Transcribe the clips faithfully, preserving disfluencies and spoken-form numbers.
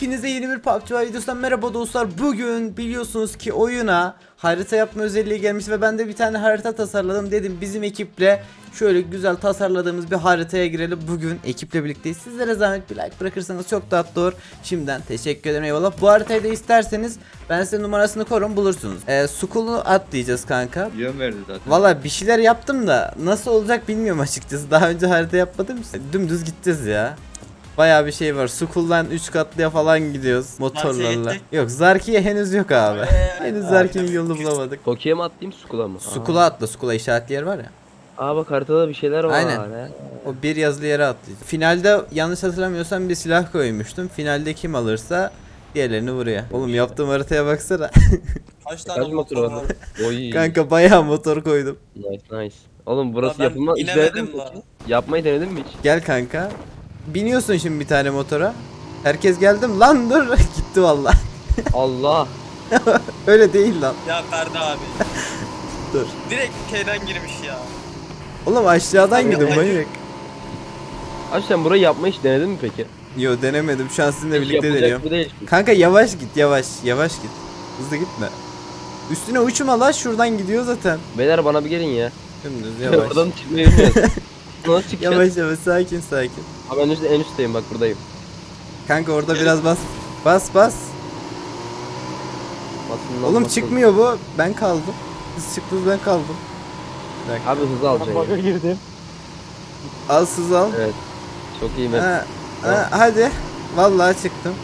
Hepinize yeni bir P U B G videosundan merhaba dostlar. Bugün biliyorsunuz ki oyuna harita yapma özelliği gelmiş ve ben de bir tane harita tasarladım. Dedim bizim ekiple şöyle güzel tasarladığımız bir haritaya girelim. Bugün ekiple birlikteyiz. Sizlere zahmet bir like bırakırsanız çok tatlı olur. Şimdiden teşekkür ederim, eyvallah. Bu haritayı da isterseniz ben size numarasını korum, bulursunuz. Ee, Skull'u atlayacağız kanka. Yön verdi zaten. Valla bir şeyler yaptım da nasıl olacak bilmiyorum açıkçası. Daha önce harita yapmadım. Dümdüz gideceğiz ya. Bayağı bir şey var. Skull'dan üç katlıya falan gidiyoruz motorlarla. Yok, Zarki'ye henüz yok abi. Henüz Zarki'nin yolunu bulamadık. Toki'ye mi atlayayım Skull'a mı? Skull'a atla. Skull'a işaretli yer var ya. Aa bak haritada bir şeyler var. Aynen. He. O bir yazılı yere atlayacağız. Finalde yanlış hatırlamıyorsam bir silah koymuştum. Finalde kim alırsa diğerlerini vuruyor. Oğlum yaptığım haritaya baksana. Kaç tane Kaç motor motor var? var? Oy. Kanka bayağı motor koydum. Nice nice. Oğlum burası ben yapılmaz. Hiç inemedim denedin mi la. hiç? Yapmayı denedin mi hiç? Gel kanka. Biniyorsun şimdi bir tane motora. Herkes geldim lan dur. Gitti valla. Allah. Öyle değil lan. Ya Ferdi abi. Dur. Direkt K'den girmiş ya. Oğlum aşağıdan Abi, gidin ay- manyak. Abi sen burayı yapmayı hiç denedin mi peki? Yo, denemedim. Şu an sizinle Hiç birlikte yapılacak deniyorum. gibi değil. Kanka yavaş git, yavaş. Yavaş git. Hızlı gitme. Üstüne uçma la, şuradan gidiyor zaten. Beyler bana bir gelin ya. Dümdüz yavaş. Oradan çıkmayı bilmiyoruz. Nasıl çıkacağız? Yavaş yavaş, sakin sakin. Abi ben üstte, en üstteyim bak buradayım. Kanka orada biraz bas. Bas bas. Basın lan, Oğlum basın. çıkmıyor bu. Ben kaldım. Siz çıktınız, ben kaldım. Bir dakika. Abi hızlı alacaksın. Baga ya. girdim. Al sız al. Evet. Çok iyi mi? Ha, ha, hadi. Vallahi çıktım.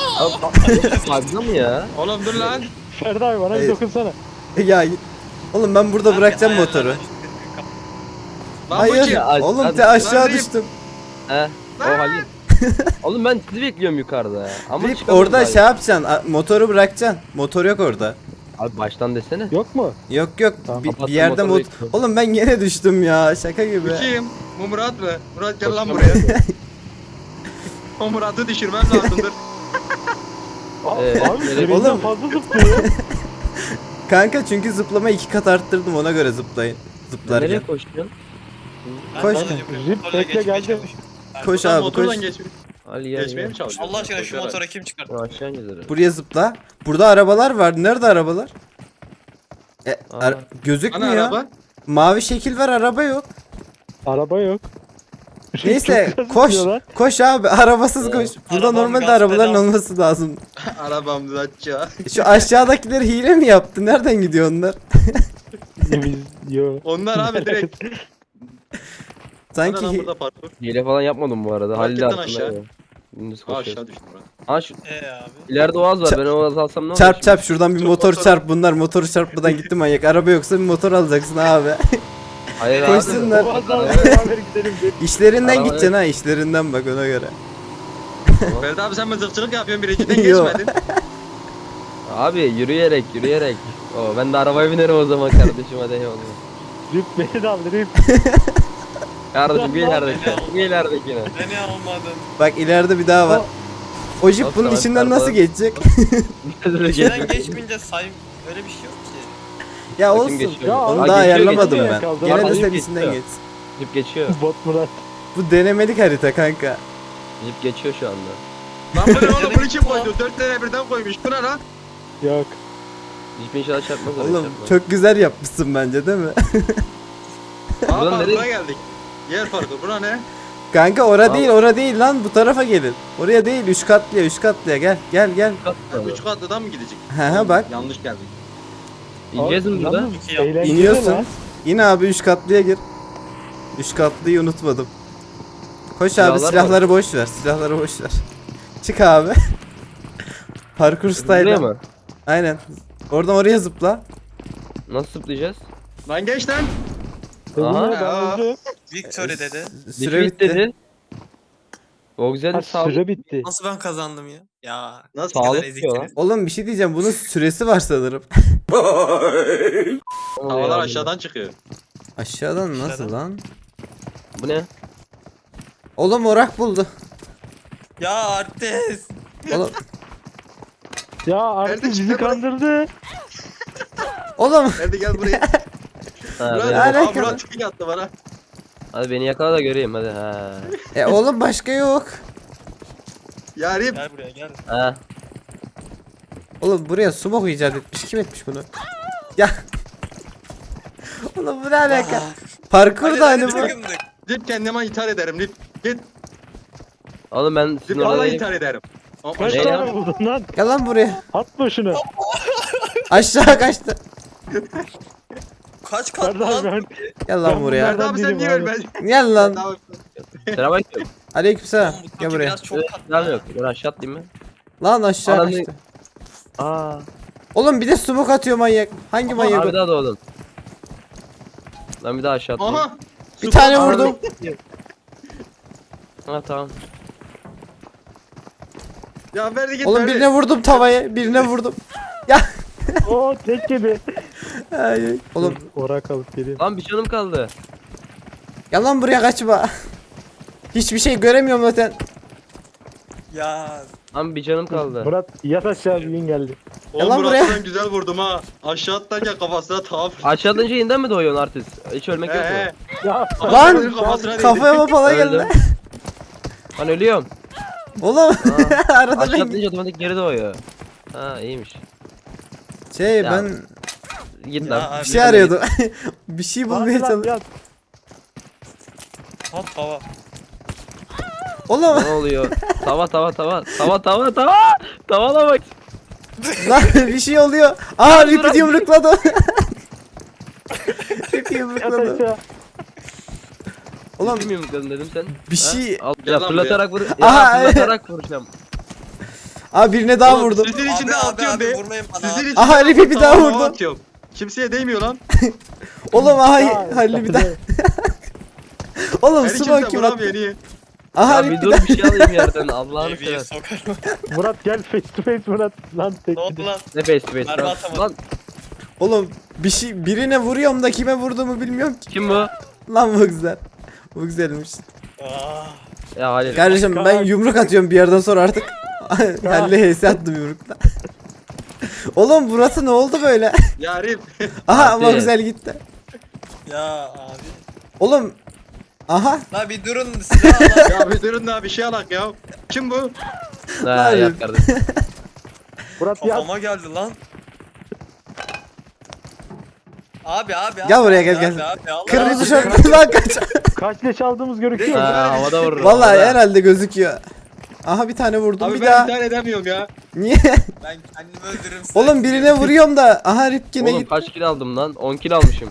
Fazla mı ya? Oğlum dur lan. Ferdi abi bana Hayır. bir dokunsana. Ya oğlum ben burada Abi, bırakacağım ayarlardan motoru. çıktık. Lan Hayır. bu kim? Ya, Oğlum hadi. te aşağı Lan düştüm. He. O Halil. Oğlum ben sizi bekliyorum yukarıda ya. Ama Rip çıkamıyorum orada abi. şey yapacaksın. a- Motoru bırakacaksın. Motor yok orada. Abi baştan desene. Yok mu? Yok yok. Tamam, bir, kapattım bir yerde motoru mot. bekliyorum. Oğlum ben yine düştüm ya. Şaka gibi. Bu kim? Bu Murat mı? Murat gel lan Koşamam. buraya. O Murat'ı düşürmem lazımdır. Aa, Ee, abi böyle- gereğinden Oğlum. fazla zıplıyor. Kanka çünkü zıplama iki kat arttırdım, ona göre zıplayın. Zıplarken. Nereye koşuyorsun? Ben Koş daha kanka. önce buraya Rip motorla bekle, geçmeye geldim. çalıştım. Koş Buradan abi motordan koş. geçme- Ali gel geçmeye gel. mi çalışıyorsun? Allah aşkına şu Koşarak. motora kim çıkarttı? Aşağı ineceğiz. Buraya zıpla. Burada arabalar var. Nerede arabalar? E, Aa. ar- Hani gözükmüyor. araba? Mavi şekil var, araba yok. Araba yok. Neyse Çok güzel koş. zıplıyorlar. Koş abi, arabasız Ee, koş. Burada arabam normalde gaz arabaların pedal. olması lazım. Arabam düzeltçi. Şu aşağıdakileri hile mi yaptı? Nereden gidiyor onlar? Biz yok. Onlar abi direkt. Sanki Sanki hi- burada parkur. Hile falan yapmadım bu arada. Halil de Marketten aslında. aşağı. ya. Dümdüz Aa, koşuyoruz. aşağı düştüm Murat. Aa şu Ee abi. ileride oğaz var. Çap- Ben o oğazı alsam ne olur? çarp şimdi? çarp şuradan bir Çok motor motor- çarp, bunlar motoru çarpmadan gitti manyak. Araba yoksa bir motor alacaksın abi. Hayır abi. Koşsunlar. Boğazdan beraber gidelim. İşlerinden Araba- gideceksin ha, işlerinden bak ona göre. Ferdi abi sen mızıkçılık yapıyorsun birinciden Yo. geçmedin. Abi yürüyerek yürüyerek. Oo, ben de arabaya binerim o zaman kardeşim hadi eyvallah. Rip beni de aldı Rip. Kardeşim bir ilerideki. Bir ileridekine. Beni almadın. Bak ileride bir daha var. O jip Bak, bunun tamam, içinden tamam. nasıl geçecek? İçinden geçmeyince say... Öyle bir şey yok ki. Ya Bakayım olsun. geçiyor. Ya, Onu Aa, daha geçiyor, ayarlamadım geçiyor. ben. Kaldı. Gene de Araba sen geçiyor. içinden geç. Jip geçiyor. Bot Murat. Bu denemelik harita kanka. Jip geçiyor şu anda. Lan bu ne oğlum bunu kim koydu? Dört tane birden koymuş. Bu ne lan? Yok. Jip inşallah çarpmaz. oraya, Oğlum çarpmaz. çok güzel yapmışsın bence, değil mi? Aa Buradan nereye- parkura geldik. Yer parkur. Bura ne? Kanka ora Abi- değil, ora değil lan, bu tarafa gelin. Oraya değil, üç katlıya, üç katlıya gel. Gel gel. Ha, üç katlıdan mı gidecek? He he bak. Yanlış geldik. İneceğiz mi burada? Yalnız İki yap. eğlenceli İniyorsun. lan. Yine abi üç katlıya gir. Üç katlıyı unutmadım. Koş abi, Silahlar var. silahları boş ver. Silahları boş ver. Çık abi. Parkur Buraya style. mı? Aynen. Oradan oraya zıpla. Nasıl zıplayacağız? Lan geç lan. Dedim Aha. ya, ben öldüm. Victory dedi. Süre Jip bitti. dedi. O güzel Ha, bir sağ. süre bitti. Nasıl ben kazandım ya? Ya. Nasıl? ne kadar Sağlık eziktiniz. diyor lan. Oğlum bir şey diyeceğim, bunun süresi var sanırım. Havalar aşağıdan çıkıyor. Aşağıdan nasıl Aşağıdan. lan? Bu ne? Oğlum orak buldu. Ya artist. Oğlum, Ya artık Nerede bizi çıktı bu? kandırdı. oğlum. Hadi gel buraya. Ha, Murat, beni- Ne aa, alaka? Murat tek attı bana. Hadi beni yakala da göreyim hadi. Ha. E oğlum başka yok. Ya Rip. Gel buraya gel. Ha. Oğlum buraya smoke icat etmiş. Kim etmiş bunu? Ya. Oğlum bu ne alaka? Parkur da hani bu. takımdık. Rip kendime intihar ederim Rip. Git. Oğlum ben Rip sizin orada vallahi değilim. intihar ederim. Ama Kaç Ne tane ya? buldun lan? Gel lan buraya. Atma şunu. Aşağı kaçtı. Kaç kat Ferdi lan? abi ben. Gel lan Ben buraya. Ferdi abi sen değilim niye abi. ölmedin? Gel lan. Tamam. Selamünaleyküm. Aleykümselam. Oğlum bu Gel kanki buraya. biraz çok kat. Selam yok. Ben aşağı atlayayım mı? Lan aşağı Ananı- kaçtı. Aa. Oğlum bir de smoke atıyor manyak. Hangi manyak? Abi o? daha doğdun. Ben bir daha aşağı atlayayım. Aha. Bir tane vurdum. Ha tamam. Ya Ferdi git Oğlum Ferdi. birine vurdum tavaya. Birine vurdum. Ya. Oo tek gibi. Ay, ay. Oğlum Orak alıp geleyim. Lan bir canım kaldı. gel lan buraya kaçma. Hiçbir şey göremiyorum zaten. Ya. Lan bir canım kaldı. Murat yat aşağı bir gün geldi. Gel Oğlum lan buraya. Murat'ı ben güzel vurdum ha. Aşağı atlarken kafasına tavaf. Aşağıdan önce yeniden mi doğuyorsun artist? Hiç ölmek yok He he. mu? Ya Lan Kafasına değdi. kafaya falan geldi. Öldüm. Lan ölüyorum. Oğlum arada Aşağı ben atlayınca otomatik geri doğuyor. Ha iyiymiş. şey Ya, ben Git Ya lan. abi. bir şey arıyordum. Bir şey bulmaya Hadi lan, çalışıyorum. yat. At hava. Oğlum Ne oluyor? Tava tava tava. Tava tava tava. Tavala bak. lan bir şey oluyor. Aa dur, Rip'i yumrukladı. Rip'i Yat yumrukladı. aşağı. Oğlum Bilmiyor musun dedim sen? bir şey. Ha? Al, Gel ya lan fırlatarak vur. Aha, Ya fırlatarak vuracağım. Aa birine daha Oğlum, vurdum. Sizin Abi, için de abi, atıyorum abi, be. vurmayın bana Sizin abi. için Aha, de Rip'i bir daha tavama vurdum. atıyorum. Kimseye değmiyor lan. Oğlum aha Ya, Halil bir daha. Oğlum Her smoke kimse kim vuramıyor attı? niye? Aha Ya Rip bir bir dur daha. bir şey alayım yerden. Allah'ını Eviye seversen. sokarım. Murat gel face to face Murat. Lan tek Ne oldu gibi. lan? Ne face to face Mermi lan? atamadım. Lan Oğlum bir şey birine vuruyorum da kime vurduğumu bilmiyorum ki. kim bu? Lan bu güzel. Bu güzelmiş. Aa. Ya Halil. Kardeşim ben yumruk atıyorum bir yerden sonra artık. Halil'e H S attım yumrukla. Oğlum burası ne oldu böyle? Ya Rip. Aha ama Hadi. güzel gitti. Ya abi. Oğlum. Aha. La bir durun silah al. Ya bir durun da bir şey alak ya. Kim bu? Ha Hayır. yat kardeşim. Murat yat. Kafama geldi lan. Abi abi abi. Gel buraya, gel, abi, gel. Abi, Allah Kırmızı Allah. şortlu lan kaç. Kaç leş aldığımız görüküyor. Ha havada vururum. Vallahi havada. herhalde gözüküyor. Aha bir tane vurdum Abi bir ben daha. intihar edemiyorum ya. Niye? Ben kendimi öldürürüm size. Oğlum birine vuruyorum da aha Rip yine Oğlum git. kaç kill aldım lan? on kill almışım.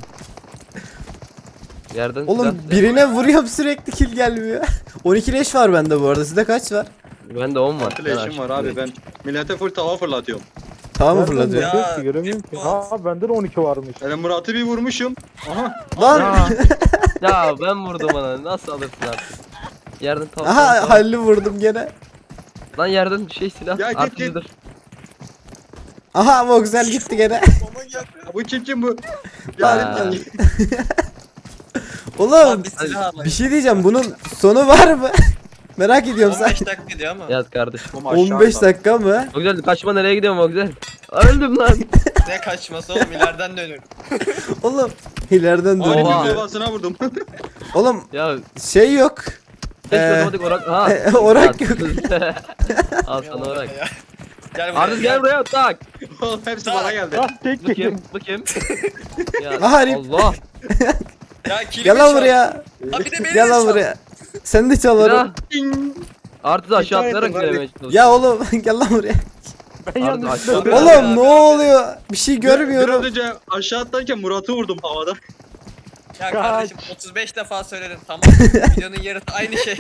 Yerden Oğlum silah- birine vuruyorum sürekli kill gelmiyor. on iki leş var bende bu arada. Sizde kaç var? Bende on var. Flash'im var abi ben. Millete full tava fırlatıyorum. Tamam mı Nereden fırlatıyor? Ya, bakıyoruz ki, göremiyorum ki. Murat. Ha benden on iki varmış. Ben Murat'ı bir vurmuşum. Aha. Lan. Ya, ya ben vurdum ona. Nasıl alırsın artık? Yerden tavuk. Aha Halil'i vurdum gene. Lan yerden şey silah. Ya git, Artık git. dur. Aha ama güzel gitti gene. Kafama geldi. Ya bu kim kim bu? Ya Ha. Rip. Oğlum Lan bir silah alayım. bir şey diyeceğim bunun sonu var mı? Merak ediyorum on sen. beş dakika diyor ama. Yat kardeşim. on beş dakika mı? O güzel kaçma nereye gidiyorum o güzel. Öldüm lan. Ne kaçması oğlum ileriden dönüyorum. Oğlum ileriden Abi dönüyor. Oha. bir kafasına vurdum. Oğlum Ya şey yok. tek Ee, otomatik orak. Ha. orak Ya, yok. Al sana orak. Ya. Gel buraya. Artık gel buraya tak. Oğlum hepsi bana geldi. Lan tek Bu gibi. kim? Bu kim? Ya Aha, Rip. Allah. Ya kilimi Gel lan çal. buraya. Ha bir de beni Gel de lan çal. buraya. Sen de çal Silah. onu. Artık aşağı İntihar atlayarak ettim abi. giremeye çalışıyorum. Ya oğlum gel lan buraya. Ben Pardon, yanlışlıkla aşağı- öldürdüm. Oğlum abi, ne abi. oluyor? Bir şey Biraz görmüyorum. önce aşağı atlarken Murat'ı vurdum havada. Ya Kaç. kardeşim otuz beş defa söyledim tamam. Videonun yarısı aynı şey.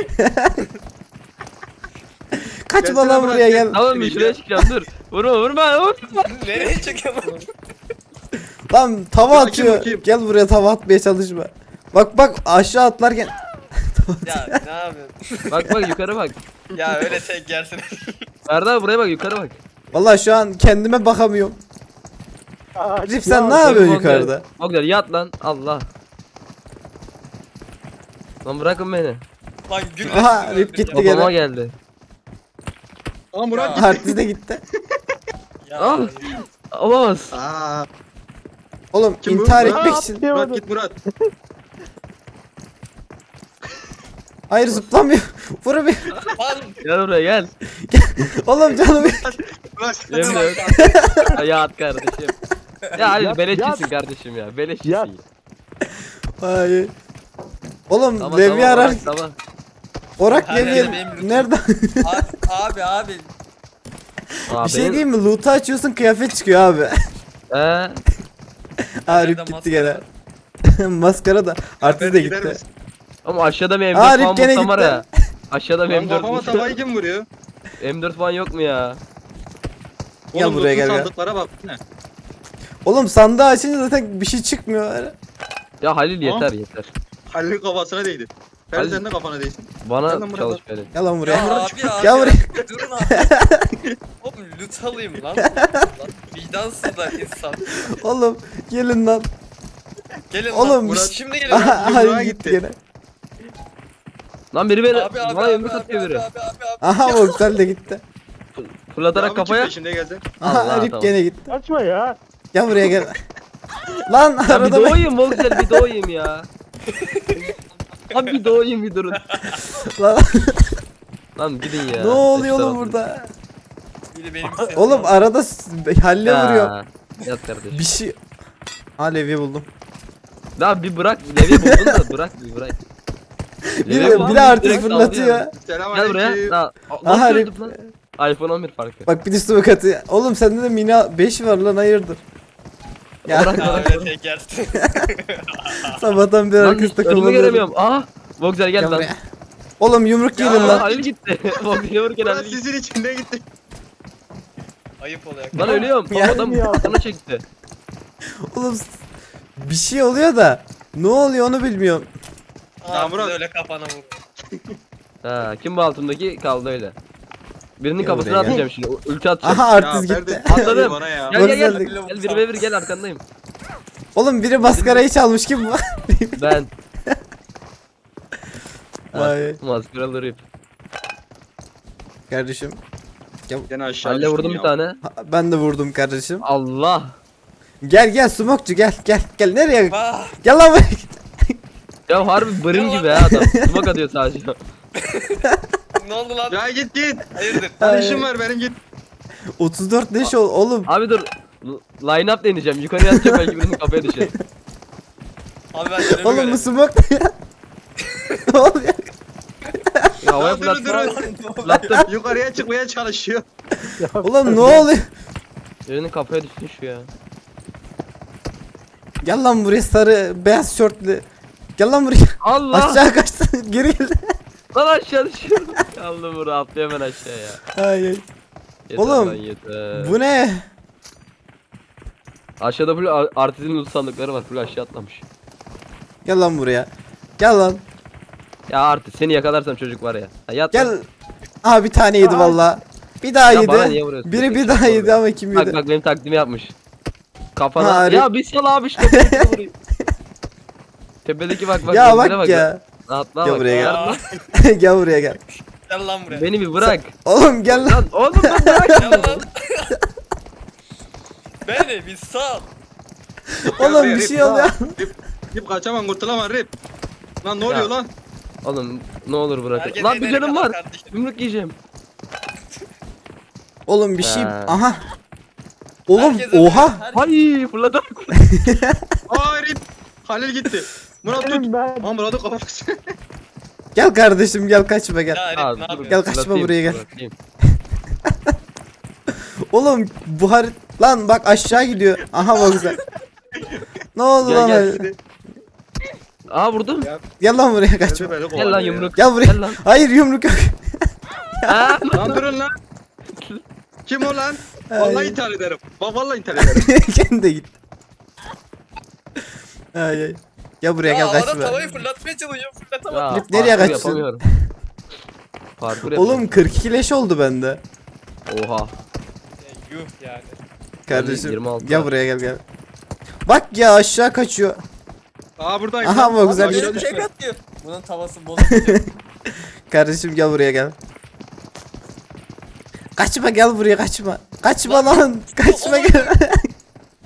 Kaçma Gelsene lan bırak, buraya gel. gel. Tamam bir şuraya çıkacağım dur. Vurma vurma vurma. Nereye çıkıyorum? Lan tava Ya, atıyor. kim, kim? Gel buraya tava atmaya çalışma. Bak bak aşağı atlarken. Ya ne yapıyorsun? Bak bak yukarı bak. Ya öyle tek yersin. Ferdi abi buraya bak yukarı bak. Vallahi şu an kendime bakamıyorum. Aa, Rip sen ya, ne yapıyorsun Bak güzel, yukarıda? bak güzel, yat lan Allah. Lan bırakın beni. Lan gül. Aha, Rip gitti. Babama gene. geldi. Aa Murat Ya. gitti. Artist de gitti. Ya, Al. Olamaz. Aa. Oğlum Kim bu? intihar Murat. etmek Aa, için. Murat atlayamadım. git Murat. Hayır zıplamıyor. Vur bir. Lan Gel buraya gel. Oğlum canım. Ulan sen Yemin de ederim. Ya at kardeşim. Ya Halil Yat, beleşçisin yat. kardeşim ya. Beleşçisin. Yat. ya. Hayır. Oğlum Tamam, Levi tamam, arar. Orak, tamam. Orak Her yerde Levi. benim lütfum. Nereden? abi abi abi. Aa, Bir şey benim- diyeyim mi? Loot'u açıyorsun kıyafet çıkıyor abi. He. Arif Nerede gitti gene. maskara? Maskara da artist de gider gitti. misin? Ama aşağıda bir M Aa, dört Rip falan gene bulsam var gitti. ya. Aşağıda bir Lan M dört kafama bulsam. tavayı kim vuruyor? M dört falan yok mu ya? Gel Oğlum buraya, loot'un gel, gel. sandıklara bak. Ne? Oğlum sandığı açınca zaten bir şey çıkmıyor. Ya Halil Tamam. yeter yeter. Halil'in kafasına değdi. Ferdi Halil- sen de kafana değsin. Gel Bana lan buraya çalış bak. Halil. Gel lan Ya buraya. abi abi. Gel buraya. Durun abi. Oğlum loot alayım lan. Lan vicdansızlar insan. Oğlum gelin lan. Gelin Oğlum, lan. Murat- Şimdi gelin Aha lan. yumruğa Halil gitti. gitti gene. Lan biri beni Abi abi bana abi yumruk abi atıyor abi biri. abi abi abi. Aha Voxel de gitti. Fırlatarak Devamı çık kafaya. peşinde gelecek. Aha Allah, Rip tamam. gene gitti. Açma ya. Gel buraya gel. Lan Ya bir arada bak. doğayım Volksel bir doğayım ya. Abi bir doğayım bir durun. Lan, Lan gidin ya. ne oluyor Eşler oğlum atın. burada? Biri benim sesim Oğlum var. arada s- halle vuruyor. Ya, Yat kardeşim. Bir şey. Ha Levi buldum. Daha bir bırak. Levi buldun da bırak bir bırak. Bir Levi de, buldun, bir de artist direkt fırlatıyor. saldırıyor. Selam Gel buraya. aleyküm. Daha, Aha, nasıl Rip. öldüm lan? iPhone on bir farkı. Bak bir de smoke atıyor. Oğlum sende de mini beş var lan hayırdır? Ya Bırak Ha, bırak. öyle teker. sabahtan bir Lan arkası önümü takılmadı. göremiyorum. Aha. Voxel gel Gel lan. buraya. Oğlum yumruk Ya, gelin Lan lan. Halil gitti. Voxel'e vururken Ulan Halil gitti. sizin içinde gitti. Ayıp oluyor. Lan ölüyorum. Ya. Adam bana çekti. Oğlum s- bir şey oluyor da ne oluyor onu bilmiyorum. Ya Aa, Murat. öyle kafana vur. Ha, kim bu altındaki kaldı öyle. Birinin Gel kafasına buraya, gel. atacağım şimdi. Ulti atacağım. Aha artist Ya gitti. Ferdi, Atladım. bana ya. Gel gel gel. Voxel de- Gel bir ve bir gel arkandayım. Oğlum biri maskarayı çalmış kim bu? Ben. Ay. Maskaralı Rip. Kardeşim. Gene aşağı Halil'e düştüm vurdum ya. bir tane. ha- Ben de vurdum kardeşim. Allah. Gel gel smokçu gel gel gel nereye? Vah. Gel lan buraya. Ya harbi bırın gibi ha adam. Smoke atıyor sadece. Ne oldu lan? Ya git git. Hayırdır? Lan Ay. işim var benim git. otuz dört leş ol oğlum. Abi dur. L- Line up deneyeceğim. Yukarıya atacak belki birinin kafaya düşer. Abi ben önümü Oğlum bu göreyim. smoke ne ya? Ne oluyor? Ya havaya Lan durun fırlattım. durun. Fırlattım. Yukarıya çıkmaya çalışıyor. Oğlum ne oluyor? Birinin kafaya düştü şu ya. Gel lan buraya sarı beyaz şortlu. Gel lan buraya. Allah. Aşağı kaçtın geri gel. Lan aşağı düşüyor. Allah bunu atlıyor hemen aşağıya. Ay ay. Yeter Oğlum, lan, yeter. Bu ne? Aşağıda full ar- artizin loot sandıkları var. Full aşağı atlamış. Gel lan buraya. Gel lan. Ya artık seni yakalarsam çocuk var ya. Ha, yat Gel. lan. Aha bir tane yedi Aa. valla. Bir daha Ya bana yedi. niye vuruyorsun? Biri bir Çok daha doğru. yedi ama kim Bak yedi? bak benim taklidimi yapmış. Kafana. Ha, ya bir sal abi işte. tepedeki vurayım. Tepedeki bak bak. Ya gözlere bak ya. Atla Gel bak. buraya ya. Aa, Gel buraya gel. Gel lan buraya. Beni bir bırak. Oğlum gel lan. Lan oğlum ben bırak. Gel lan. Beni bir sal. Oğlum Rip, bir şey Rip, oluyor. Rip, Rip kaçamam kurtulamam Rip. Lan ne oluyor Ya. lan? Oğlum ne olur bırak. Herkes Lan bir elleri canım kadar var. kardeşim. Yumruk yiyeceğim. Oğlum bir şey. Ha. Aha. Oğlum Herkes ölüyor, oha. herkes- Hay fırladım. Aa Rip. Halil gitti. Murat tut. Benim ben. Aa Murat'ın kafası. Gel kardeşim gel kaçma gel. Ya Herif Aa, ne dur, yapıyor? Gel kaçma fırlatayım, buraya gel. fırlatayım. Oğlum bu harit lan bak aşağı gidiyor. Aha bak güzel. Ne oldu Gel, lan? gel. öyle? Aa vurdum. Ya. Gel lan buraya kaçma. Beni Gel kovalıyor lan ya. yumruk. Gel buraya. Gel lan. Hayır yumruk yok. Aa, Lan durun lan. Kim o lan? Vallahi Ay. intihar ederim. Bak vallahi intihar ederim. Kendi de git. Ay ay. Gel buraya Ya gel havada kaçma. tavayı fırlatmaya çalışıyor fırlatamam. Ya, Rip, nereye parkur kaçtın? yapamıyorum. Parkur Oğlum yapıyorum. kırk iki leş oldu bende. Oha. Ya, yuh yani. Kardeşim yirmi altı gel var. buraya gel gel. Bak ya aşağı kaçıyor. Aa buradayım. Aha, lan. bu güzel Abi, bir aşağı Benim düşme. tek atıyor. Bunun tavası bozuldu. Kardeşim gel buraya gel. Kaçma gel buraya kaçma. Kaçma lan. Kaçma gel.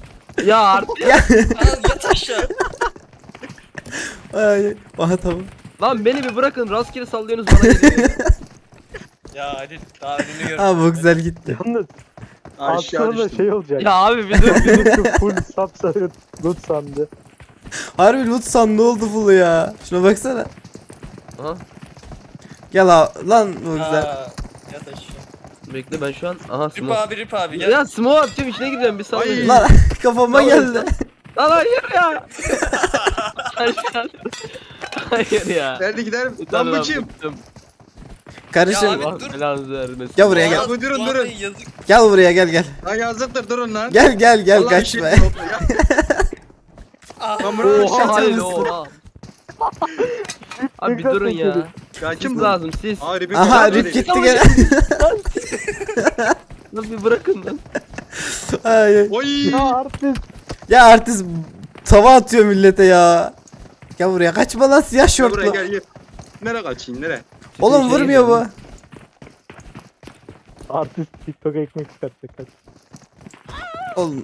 Ya artık. ya. Al yat aşağı. Ay. Aha tamam. Lan beni bir bırakın, rastgele sallıyorsunuz bana geliyor. Ya hadi daha önünü gör. Ha bu güzel gitti. Yalnız Aşağı altına da düştüm. şey olacak. Ya abi bir dur bir dur. Şu full sapsarı loot sandı. Harbi loot sandığı oldu full ya. Şuna baksana. Aha, Gel abi. Lan bu güzel. Aa, yat aşağı. bekle ben şu an. Aha Rip smoke. abi Rip abi gel. Ya smoke atacağım, içine gireceğim bir sal Ay. beni. Lan kafama geldi. Lan hayır ya. Hayır. Hayır ya. Nerede giderim? Utan Lan bu kim? bıktım. Karışım. Ya abi, Allah dur. belanızı vermesin. Gel buraya gel. Aa, Abi durun, bu durun. adamın Yazık. Gel buraya gel gel. Lan yazıktır durun lan. Gel gel gel Vallahi kaçma. işim yok ya. Ah, Lan bunu Oha aşağı hayır atıyorsun. oha. Abi bir durun ya. Ya kim Siz bu? lazım siz. Aa Rip'in Aha kafası Rip var. gitti gene. Lan bir bırakın lan. Ay. Oy. Ya artist. Ya artist tava atıyor millete ya. Gel buraya kaçma lan siyah Gel buraya şortlu. gel gel. Nereye kaçayım nereye? Oğlum Şey vurmuyor bu. diyorum. Artist TikTok ekmek çıkartacak. Hadi. Oğlum.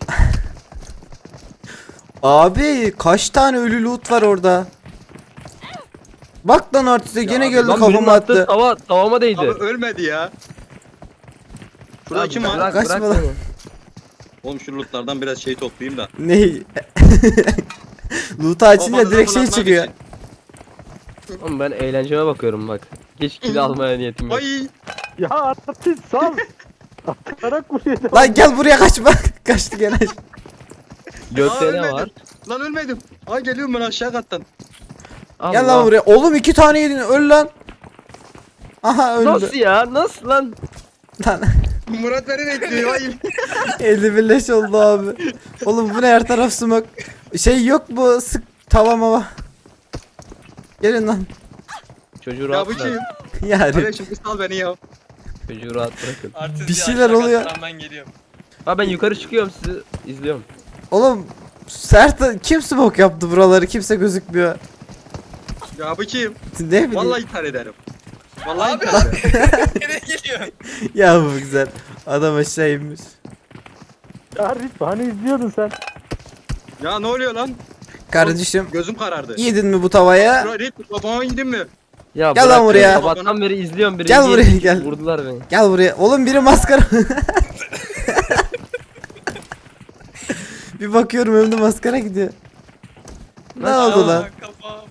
Abi kaç tane ölü loot var orada. Bak lan artiste gene geldi Lan birinin kafama attığı attı. Tava, tavama değdi. Abi ölmedi ya. Şurada Lan kim bırak, var? Kaçma bırak lan. beni. Oğlum şu lootlardan biraz şey toplayayım da. Ne? Loot'u açınca Kafanıza direkt şey fırlatmak çıkıyor. için. Oğlum ben eğlenceme bakıyorum bak. Hiç kill almaya niyetim yok. Ay. Ya artist sal. Atarak vuruyor. da. Lan gel buraya kaçma. Kaçtı gene. Gökte Aa, ne ölmedim. var? Lan ölmedim. Ay geliyorum ben aşağı kattan. Gel Allah. lan buraya. Oğlum iki tane yedin öl lan. Aha öldü. Nasıl ya? Nasıl lan? Lan Murat beni bekliyor. Ay. elli bir leş oldu abi. Oğlum bu ne her taraf smoke. Şey yok bu sık tava mava. Gelin lan. Çocuğu Ya rahat bu bırak. kim? Yani Kardeşim bir sal beni ya. Çocuğu rahat bırakın. Artist Bir ya, şeyler aşağı oluyor. kattan Ben geliyorum. Ha ben yukarı çıkıyorum, sizi izliyorum. oğlum sert kim smoke yaptı buraları kimse gözükmüyor. Ya bu kim? Ne bileyim. Vallahi ithal ederim. Vallahi Abi. ithal ederim. Nereye geliyor? Ya bu güzel. Adam aşağı inmiş. Ya Rip hani izliyordun sen. Ya ne oluyor lan? Kardeşim Gözüm karardı. yedin mi bu tavaya? Şuraya Rip babama yedin mi? Ya Gel lan bırak buraya. ya, sabahtan beri izliyorum biri. Gel buraya, gel. Vurdular beni. Gel buraya. Oğlum biri maskara. Bir bakıyorum önümde maskara gidiyor. Ne oldu lan? Aa, kafam.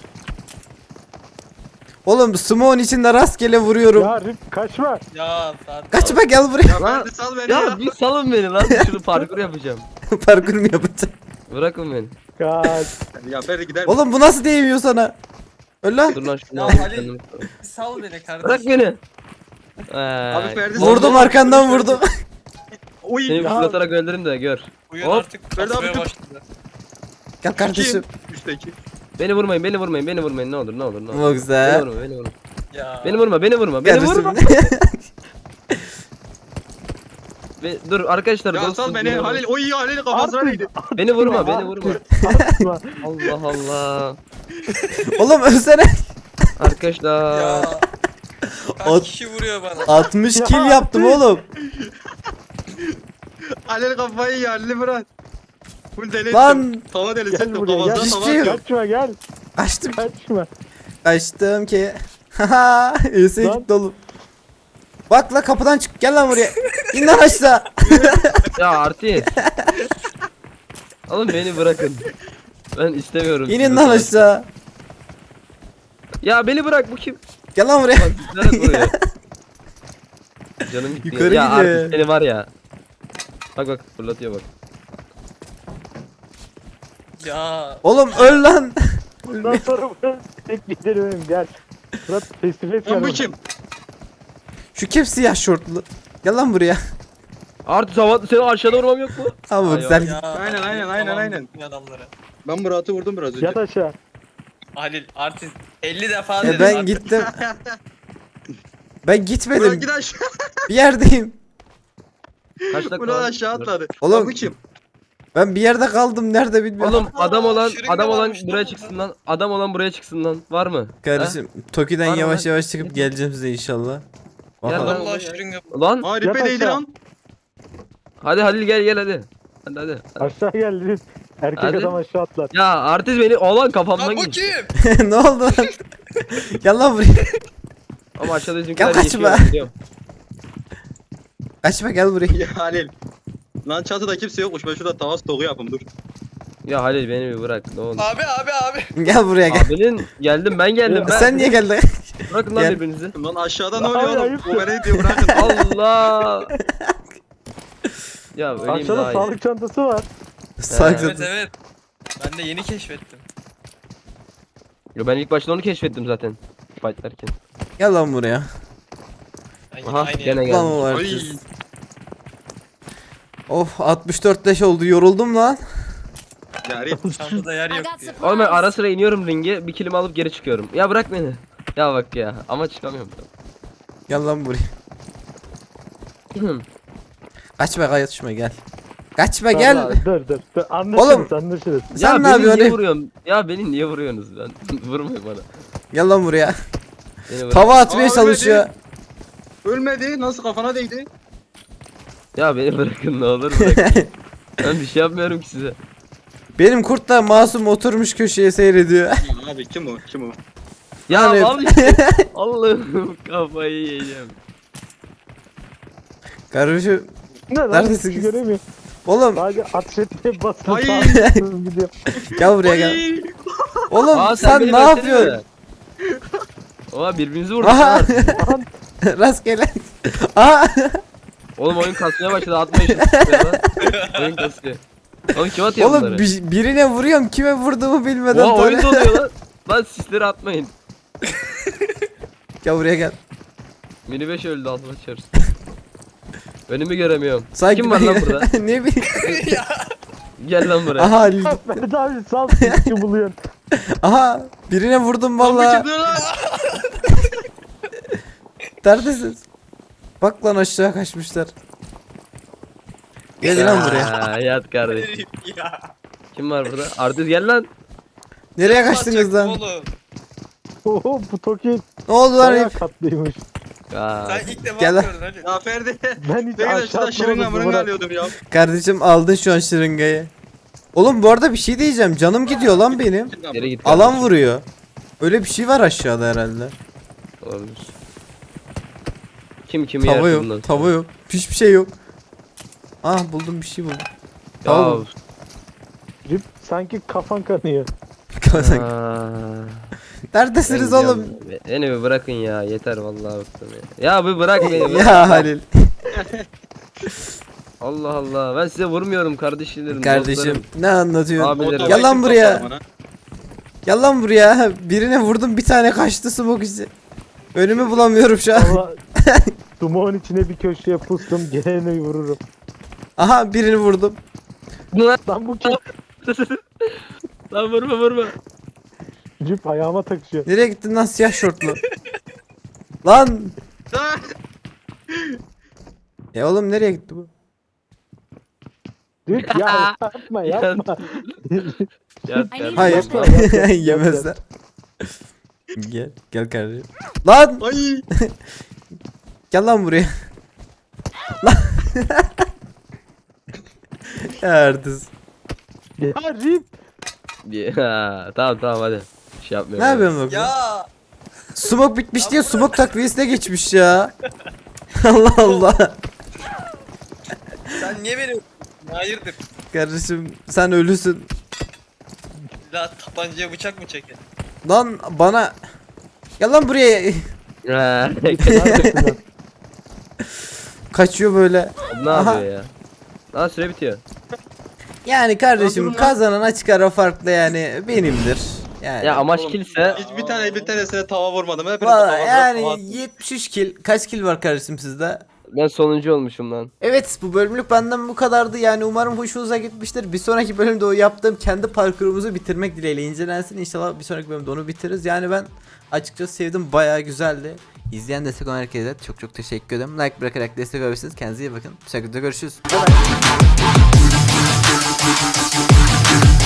Oğlum smoke'un içinde rastgele vuruyorum. Ya Rip kaçma. Ya saat. Kaçma gel buraya. Ya Lan- ben de sal beni Ya ya. bir salın beni lan, şunu parkur yapacağım. Parkur mu yapacağım? Bırakın beni. Kaç. Ya beni gider. Oğlum bu nasıl değmiyor sana? Öl lan. Dur lan şunu Ya alayım Ali- kendimi. Sal beni kardeşim. Bırak beni. Abi Ee, Ferdi Vurdum arkandan vurdum. Oy. Seni Ya. fırlatarak öldürürüm de gör. Oyun Hop. artık Ferdi abi kasmaya tut. başladı. Gel kardeşim. Kim? Üstteki. Beni vurmayın, beni vurmayın, beni vurmayın. Ne olur, ne olur, ne olur. Bu Beni güzel. vurma, beni vurma. Ya. Beni vurma, beni vurma, beni Kardeşim. vurma. Ve, dur arkadaşlar. Ya dostum, sal beni. vurma. Halil. Oy Halil kafasına Artist. değdi. Beni vurma, beni vurma. Atma. Allah Allah. Oğlum ölsene. Arkadaşlar. Ya. Kaç Ot- kişi vuruyor bana? altmış Ya, kill yaptım oğlum. Halil kafayı yiyor. Halil'i bırak. Full deli Lan. ettim. Tava delisi Gel ettim. buraya gel. Kafasına Hiçbir tava şey yok. atıyorum. Kaçma gel. Kaçtım. Kaçma. Kaçtım ki. Haha. Öse Lan. gitti oğlum. Bak la kapıdan çık. Gel lan buraya. İn lan aşağı. Ya artist. Oğlum beni bırakın. Ben istemiyorum. İnin sizi. lan aşağı. Ya beni bırak, bu kim? Gel lan buraya. Bak nereye vuruyor? Canım gitti. Yukarı ya gidiyor. artist seni var ya. Bak bak fırlatıyor bak. Ya. Oğlum öl lan. Bundan sonra ben tek giderim benim gel. Fırat face to face Lan bu gel. kim? Şu kim siyah şortlu? Gel lan buraya. Artist hava seni aşağıda vurmam yok mu? Ha bu Ay, güzel. Ya. Aynen, aynen, aynen, Tamam, aynen. bütün adamlara. Ben Murat'ı vurdum biraz önce. Yat aşağı. Halil artist elli defa E dedim ben artık. gittim. Ben Murat gitmedim. git aşağı. Bir yerdeyim. Kaç dakika? Murat var? aşağı atladı. Oğlum. Lan bu kim? Ben bir yerde kaldım. Nerede bilmiyorum. Oğlum adam olan şırınga adam olan varmış, buraya tamam çıksın lan. Adam olan buraya çıksın lan. Var mı? Kardeşim Toki'den Var mı yavaş lan? yavaş çıkıp geleceğim size inşallah. Gel Bakalım. lan. Allah şırınga. Ha? Lan Aa Yat ripe değdi aşağı. lan. hadi Halil gel gel hadi. Hadi hadi. hadi. Aşağı gel Rip. Erkek Hadi. adam aşağı atlar. Ya artist beni olan kafamdan Lan bu geçti. kim? Ne oldu lan? Gel lan buraya. Ama aşağıda bizimkiler Gel yaşıyor. kaçma. biliyorum. Kaçma gel buraya. Ya Halil. Lan çatıda kimse yokmuş. Ben şurada tava stoğu yapayım dur. Ya Halil beni bir bırak ne olur. Abi abi abi. Gel buraya gel. Abinin geldim ben geldim. Ben... Sen niye geldin? Bırakın lan Gel. birbirinizi. Lan aşağıda ne Abi, oluyor oğlum? ayıp Bu beni diyor bırakın. Allah. Ya öleyim Aşağıda daha iyi. sağlık çantası var. Salak Evet zaten. evet. Ben de yeni keşfettim. Yo, ben ilk başta onu keşfettim zaten. Fightlarken. Gel lan buraya. Ben yine Aha aynı gene yere- Lan geldi. o var Ay. kız. Of altmış dört leş oldu yoruldum lan. Yari. Çantada yer I yok got diyor. Oğlum ben supplies. ara sıra iniyorum ringe bir kilimi alıp geri çıkıyorum. Ya bırak beni. Ya bak ya ama çıkamıyorum. Gel lan buraya. Kaçma kaçma gel. Kaçma gel. Dur dur dur. dur. Anlaşırız Oğlum. anlaşırız. Sen ya ne beni yapıyorsun? niye hep? vuruyorsun? Ya beni niye vuruyorsunuz ben? Vurmayın bana. Gel lan buraya. Beni bırak. Tava atmaya Aa, çalışıyor. Ölmedi. Nasıl kafana değdi? Ya beni bırakın ne olur bırakın. Ben bir şey yapmıyorum ki size. Benim kurt da masum oturmuş köşeye seyrediyor. Ya abi kim o? Kim o? Ya Yani- al işte. Allah'ım kafayı yiyeceğim. Kardeşim Ne lan? Neredesin Hiç kız? göremiyorum. oğlum Sadece ateş etmeye basın. Ay. sağlıksız gidiyor. gel buraya gel. Ay. Oğlum Aa, sen, beni ne versene yapıyorsun? be. Oha birbirinizi vurdunuz. Aha. ha. Rastgele. Aha. Oğlum oyun kasmaya başladı atma işi. Oyun kasıyor. Oğlum kim atıyor Oğlum bunları? bir- birine vuruyorum kime vurduğumu bilmeden. Oha oyun böyle- doluyor lan. Lan sisleri atmayın. Gel buraya gel. Mini beş öldü altıma çarız. Önümü göremiyorum. Sanki Kim var ben- lan burada? ne bileyim. Gel lan buraya. Aha Halil. Mehmet abi sal sıkıcı buluyorsun. Aha birine vurdum Lan bir valla. çıktı lan. Neredesiniz? Bak lan aşağı kaçmışlar. Gel lan buraya. Aa, yat kardeşim. ya. Kim var burada? Artist gel lan. Nereye kaçtınız lan? Oğlum. Oho bu Toki Ne oldu lan bayağı hep? katlıymış. Aa, Sen ilk defa Gel lan. gördün hadi. Ya Ferdi. Ben hiç Ben de aşağı şurada şırınga atmadım. mırınga Bırak. alıyordum ya. Kardeşim aldın şu an şırıngayı. Oğlum bu arada bir şey diyeceğim. Canım gidiyor lan benim. geri git. Alan kardeşim. vuruyor. Öyle bir şey var aşağıda herhalde. Olabilir. Kim kimi Tava yer yok. bundan sonra? Tava yok. Hiçbir şey yok. Ah buldum bir şey buldum. Ya. Tava buldum. Rip sanki kafan kanıyor. Aa, Neredesiniz ben oğlum? gidiyorum. Beni bir bırakın ya yeter vallahi bıktım ya. Ya bir bırak beni. bırak. Ya Halil. Allah Allah ben size vurmuyorum kardeşlerim. Kardeşim dostlarım. ne anlatıyorsun? Abi, Abilerim. Gel lan Kim buraya. toplar bana? Gel lan buraya. Birine vurdum bir tane kaçtı smoke izi. Önümü bulamıyorum şu an. Valla Dumoğun içine bir köşeye pustum. Geleni vururum. Aha birini vurdum. Lan, Lan bu kim? lan vurma vurma. Rip ayağıma takışıyor. Nereye gittin lan siyah şortlu? Lan. Ah! E oğlum nereye gitti bu? Rip ya yapma yapma. Yat I need kardeşim. Hayır. Yapma, yapma, yapma. Yemezler. Gel. Gel kardeşim. Lan. Ay. Gel lan buraya. Lan. Ya Artist. Ya Rip. Ya, tamam tamam hadi. Bir şey yapmıyorum. Ne yapıyorsun bak? Ya. Smoke bitmiş diye smoke takviyesine geçmiş ya. Allah Allah. Sen niye beni hayırdır? Kardeşim sen ölüsün. La tabancaya bıçak mı çekin? Lan bana. Gel lan buraya. Ha, Neredesin lan? Kaçıyor böyle. ne Aha. yapıyor ya? Daha süre bitiyor. Yani kardeşim Durun lan. kazanan açık ara farklı yani benimdir. Yani. Ya amaç kilse Hiç bir tane bir tanesine tava vurmadım. Hepinize tava Valla tava yani attım. yetmiş üç kill. Kaç kill var kardeşim sizde? ben sonuncu olmuşum lan. Evet bu bölümlük benden bu kadardı yani umarım hoşunuza gitmiştir. Bir sonraki bölümde o yaptığım kendi parkurumuzu bitirmek dileğiyle incelensin. İnşallah bir sonraki bölümde onu bitiririz. Yani ben açıkçası sevdim, bayağı güzeldi. İzleyen destek olan herkese çok çok teşekkür ederim. Like bırakarak destek olabilirsiniz. Kendinize iyi bakın. Bir sonraki videoda görüşürüz. Bye bye.